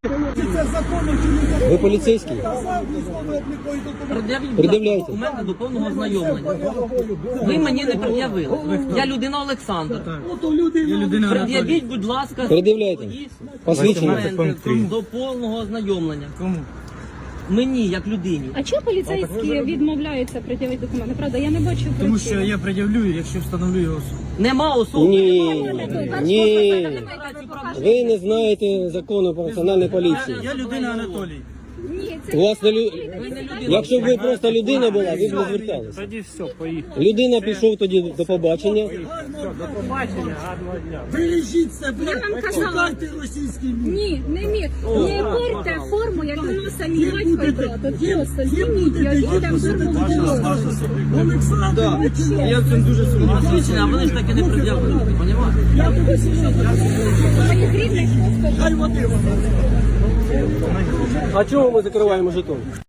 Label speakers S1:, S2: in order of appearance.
S1: Це законно чи не законно?
S2: Ви поліцейський? Пред'являйте.
S3: Документи до повного ознайомлення. Ви мені не пред'явили. Я людина Олександр. Пред'явіть, будь ласка,
S2: Пред'являйте.
S3: свої
S2: Посвідчення.
S3: документи до повного ознайомлення. Кому? Мені, як людині.
S4: А чого поліцейські відмовляються пред'явити документи? Правда, я не бачу причини.
S5: Тому що я пред'явлю, якщо встановлю його особу.
S3: Нема особи.
S2: Ні. Ви не знаєте закону про національну поліцію.
S5: Я людина Анатолій.
S4: Ні, це
S2: У вас не лю...
S3: Ви не людина.
S2: Якщо б ви просто людина була, ви б не зверталися.
S5: Тоді все, поїхали.
S2: Людина пішов тоді до побачення.
S1: Бережіть себе,
S4: Я вам казала.
S1: шукайте російський мір.
S4: ні, не міг. Не порте форму, як воно самі батько і брат. От просто зніміть, я їдам форму.
S1: Олександр,
S5: Я цим дуже сумніваюся.
S3: Посвідчення, а вони ж таки не пред'явили. Понімаєте?
S4: Я буду моїх рідних просто
S1: хай води вам.
S2: А чого ми закриваємо жетон?